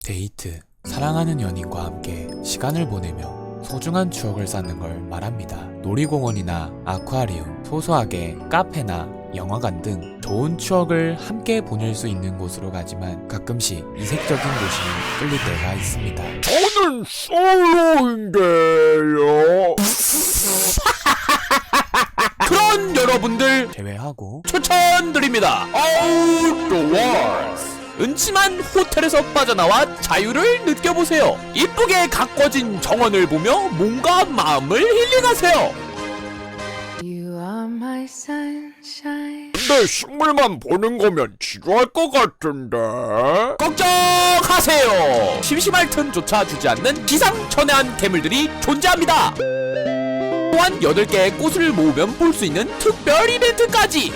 데이트, 사랑하는 연인과 함께 시간을 보내며 소중한 추억을 쌓는 걸 말합니다. 놀이공원이나 아쿠아리움, 소소하게 카페나 영화관 등 좋은 추억을 함께 보낼 수 있는 곳으로 가지만 가끔씩 이색적인 곳이 끌릴 때가 있습니다. 저는 솔로인데요. 그런 여러분들 제외하고 추천드립니다. Outdoors. 은침한 호텔에서 빠져나와 자유를 느껴보세요. 이쁘게 가꿔진 정원을 보며 몸과 마음을 힐링하세요. You are my sunshine. 근데 식물만 보는 거면 지루할 것 같은데. 걱정하세요. 심심할 틈조차 주지 않는 기상천외한 괴물들이 존재합니다. 또한 8개의 꽃을 모으면 볼 수 있는 특별 이벤트까지.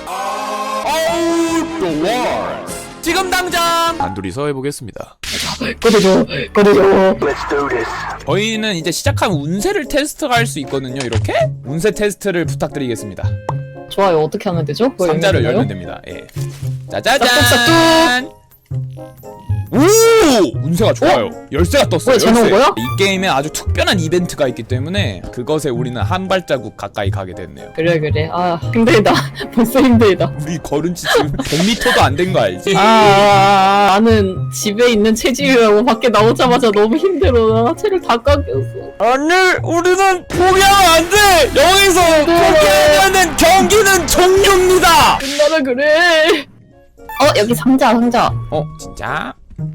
Outdoors. 지금 당장 단둘이서 해보겠습니다. 꺼내줘. 저희는 이제 시작하면 운세를 테스트할 수 있거든요. 이렇게 운세 테스트를 부탁드리겠습니다. 좋아요. 어떻게 하면 되죠? 그걸 상자를 열면 열면 됩니다. 예. 짜자잔. 오! 운세가 좋아요. 열쇠가 떴어요. 뭐야, 쟤 나온 거야? 이 게임에 아주 특별한 이벤트가 있기 때문에 그것에 우리는 한 발자국 가까이 가게 됐네요. 그래. 아, 힘들다. 벌써 힘들다. 우리 걸은 지 지금 100m도 안 된 거 알지? 나는 집에 있는 체질이라고 밖에 나오자마자 너무 힘들어. 나 체를 다 깎였어. 아니, 우리는 포기하면 안 돼. 여기서 포기하면은 경기는 종료입니다. 끝나라 그래. 여기 상자. 진짜?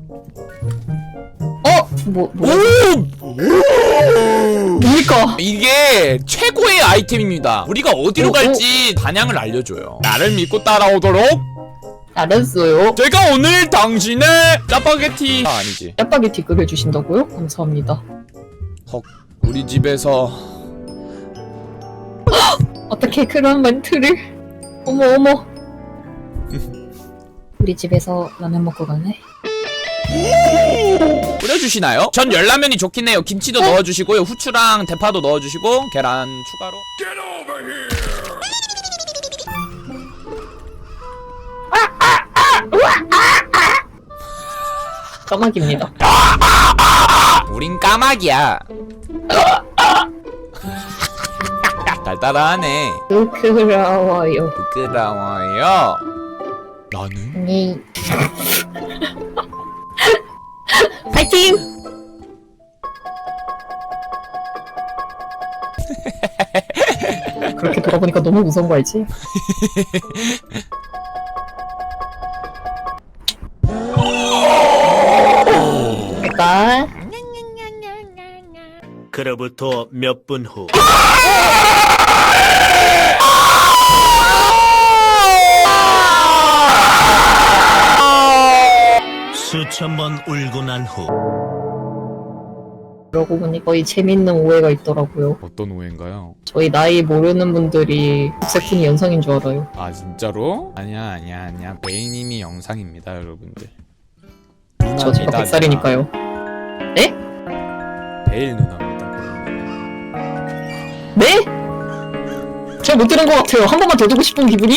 뭡니까? 이게 최고의 아이템입니다. 우리가 어디로 갈지 방향을 알려줘요. 나를 믿고 따라오도록. 알았어요. 제가 오늘 당신의 짜파게티 아니지. 짜파게티 끓여주신다고요? 감사합니다. 헉, 우리 집에서 어떻게 그런 멘트를? 어머. 우리 집에서 라면 먹고 가네. 끓여주시나요? 전 열라면이 좋긴 해요. 김치도 넣어주시고요. 후추랑 대파도 넣어주시고 계란 추가로. 까마귀입니다. 우린 까마귀야. 달달하네. 부끄러워요. 부끄러워요. 나는? 네. 파이팅! 그렇게 돌아보니까 너무 무서운 거 알지? 일단 그로부터 몇 분 후. 수천 번 울고 난 후. 그러고 보니 거의 재밌는 오해가 있더라고요. 어떤 오해인가요? 저희 나이 모르는 분들이 국세훈이 영상인 줄 알아요. 아 진짜로? 아니야. 베이님이 영상입니다 여러분들. 저 제가 100살이니까요. 에? 베일 누나입니다. 네? 잘 못 들은 것 같아요. 한 번만 더 듣고 싶은 기분이?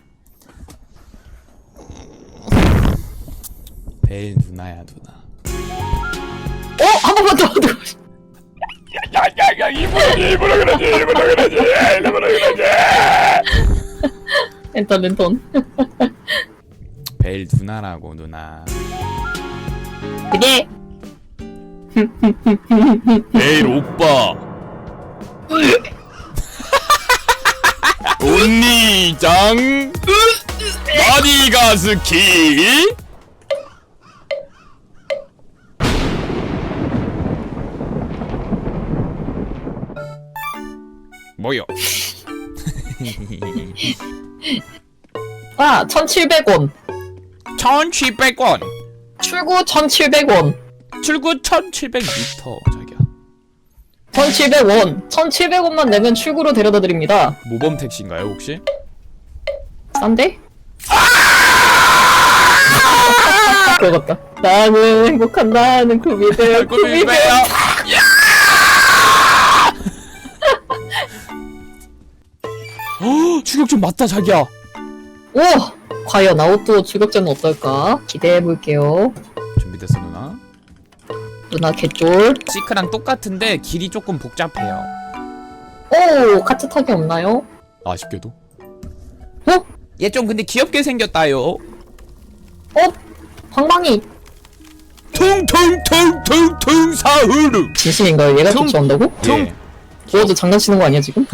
베일 누나야 누나. 한 번만 더 듣고 싶... 야야야 일부러 그러지. 랜턴. 베일 누나라고 누나. 그게 베일 오빠. 언니장 마디가스키. 뭐요? 1,700원. 1,700원. 출구 1,700원. 출구 1,700m 자기야. 1,700원. 1,700원만 내면 출구로 데려다 드립니다. 모범 택시인가요 혹시? 싼데? 그거 같다. 나는 행복한 나는 구미들. 추격전 맞다 자기야. 오! 과연 아웃도어 출격전은 어떨까? 기대해볼게요. 준비됐어 누나? 누나 개쫄. 시크랑 똑같은데 길이 조금 복잡해요. 오, 카트 타기 없나요? 아쉽게도. 어? 얘 좀 근데 귀엽게 생겼다요. 어? 방망이. 퉁퉁퉁퉁퉁 사흐르. 진심인가요? 얘가 쫓아온다고? 예. 저 장난치는 거 아니야 지금?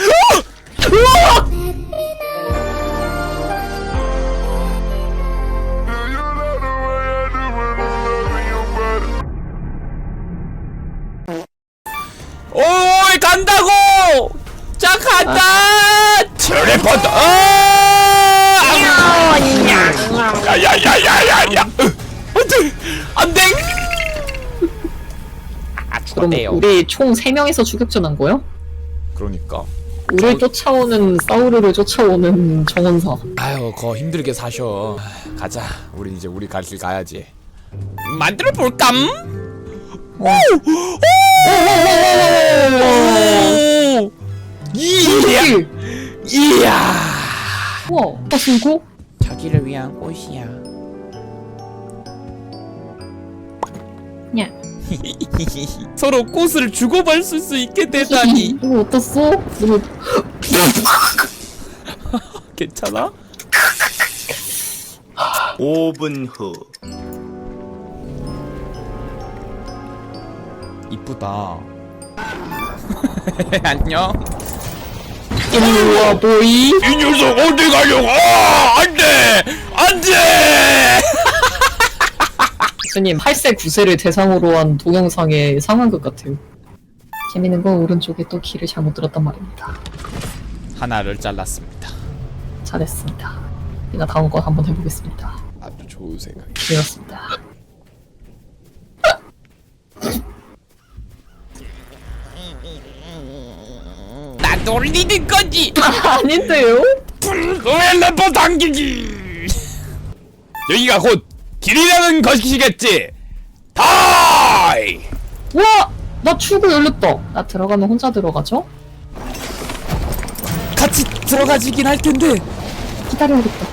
오이 간다고! 자 간다! 텔레포트. 야야야야야야. 안돼! 안돼! 아 그럼 죽었대요. 우리 총 3명이서 추격전 한 거야? 그러니까. 우리를 쫓아오는 사우르를 쫓아오는 정원사. 아유 거 힘들게 사셔. 가자. 우리 이제 우리 갈 길 가야지. 만들어 볼감? 오! 이야! 이야! 우와, 신고? 자기를 위한 꽃이야. 냐. 서로 꽃을 주고받을 수 있게 되다니. 이거 어땠어? 이거 '괜찮아? 5분 후. 이쁘다. 안녕. 일로와 보이. 이 녀석 어디 가려고? 안돼 안돼. 교수님 8세 9세를 대상으로 한 동영상의 상황극 같아요. 재밌는 건 오른쪽에 또 길을 잘못 들었단 말입니다. 하나를 잘랐습니다. 잘했습니다. 제가 다음 거 한번 해보겠습니다. 아주 좋은 생각. 그렇습니다. 나 놀리는 거지. 아닌데요? 텔레포트 당기기. 여기가 곧 길이라는 것이겠지. 다이. 와! 나 출구 열렸다. 나 들어가면 혼자 들어가죠? 같이 들어가지긴 할 텐데 기다려야겠다.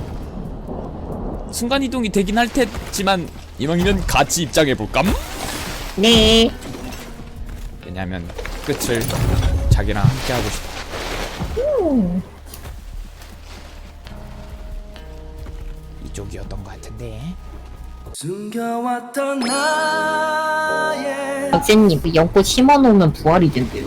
순간 이동이 되긴 할 테지만 이왕이면 같이 입장해 볼까? 네. 왜냐면 끝을 자기랑 함께 하고 싶어. 이쪽이었던 것 같은데. 선생님, 그 연꽃 심어놓으면 부활이 된대요.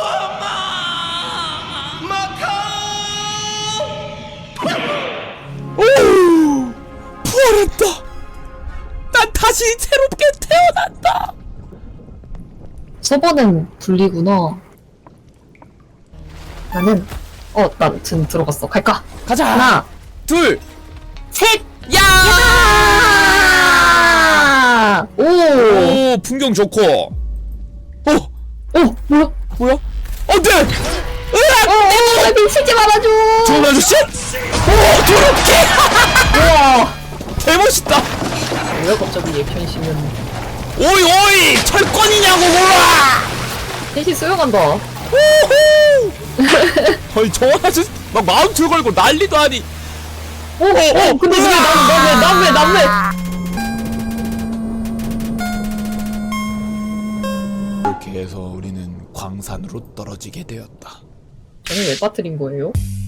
오! 부활했다! 난 다시 새롭게 태어난다! 저번엔 분리구나. 나는 나 지금 들어갔어. 갈까? 가자! 하나, 둘! 셋! 야! 아! 오! 오, 풍경 좋고. 뭐야? 뭐야? 안 돼! 나 미치지 말아줘! 좋은 아저씨? 오, 더럽게! 우와! 개멋있다! 왜 갑자기 얘 편심은. 오이, 오이! 철권이냐고, 몰라! 셋이 수영한다. 아니, 저 아저씨 막 마운트 걸고 난리도 아니. 근데 왜 난 이렇게 해서 우리는 광산으로 떨어지게 되었다. 저는 왜 빠뜨린 거예요?